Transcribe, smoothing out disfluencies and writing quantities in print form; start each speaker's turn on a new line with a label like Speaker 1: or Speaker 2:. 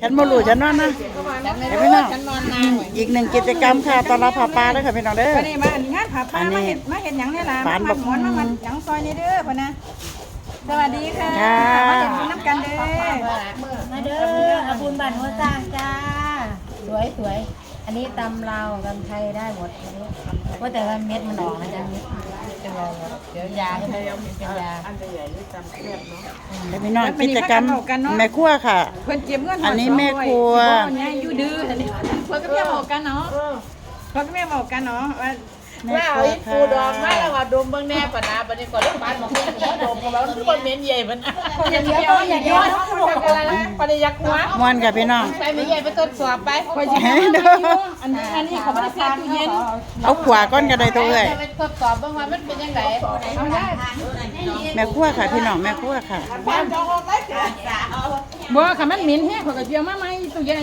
Speaker 1: ฉันบ่รู้ฉันนอนนะเห็นไหมน้องอีกหนึ่งกิจกรรมค่ะตอนรับผาปลาเด้อค่ะพี่น้องเด้อ
Speaker 2: วันนี้มางานผาป้ามาเห็นหยังเนี่ยล่ะมาหมอนมาหยังซอยนี่เด้อพ่อนะสวัสดีค่ะมาเห็นบุญน้ำกันเด้อ
Speaker 3: มาเด้ออาบุญบันหัวสร้างจ้าสวยสวยอันนี้ตำลาวตำไทยได้หมดอันนี้ว่าแต่ว่าเม็ดมันออกนะจ๊ะเม็ดเป็นไรเดี๋ยวยาให้เป็นยา
Speaker 1: ให้พี่น้องกิจกรรมแม่ครัวค่ะ
Speaker 2: เพิ่นเก็บเงิน
Speaker 1: อันนี้แม่ครัว
Speaker 2: เนี่ยอยู่ดื้ออันนี้เพิ่นก็เพียงบอกกันเนาะเพิ่นก็เพียงบอกกันเนาะว่า
Speaker 4: ว่าเอาอีปูดองมาแล้วว่าดมเบิ่งแน่ปะนะบัดนี้ก่อนโรงพยาบาลมาคุยกับดมกับเราทุกคนเหม็นใหญ่มัน
Speaker 2: อย่าเดียวอย่าเดียว
Speaker 4: อะไรนะปริยักหัว
Speaker 1: ม่วนค่ะพี่น้อง
Speaker 4: ไปไม่ใหญ่ไปทดสอบไป
Speaker 2: คอยสิอันนี้เขาไม่ได้แช่ตู้เย็น
Speaker 1: เอาขวาก้อนกระไดตัวเอ้ย
Speaker 4: ไปทดสอบเบิ่งว่ามันเป็นยังไง
Speaker 2: เอาได้
Speaker 1: แม่ครัวค่ะพี่น้องแม่ครัวค่ะ
Speaker 2: บ่ค่ะมันเหม็นแฮะเขาก็เจียวมาใหม่ตู้เย็น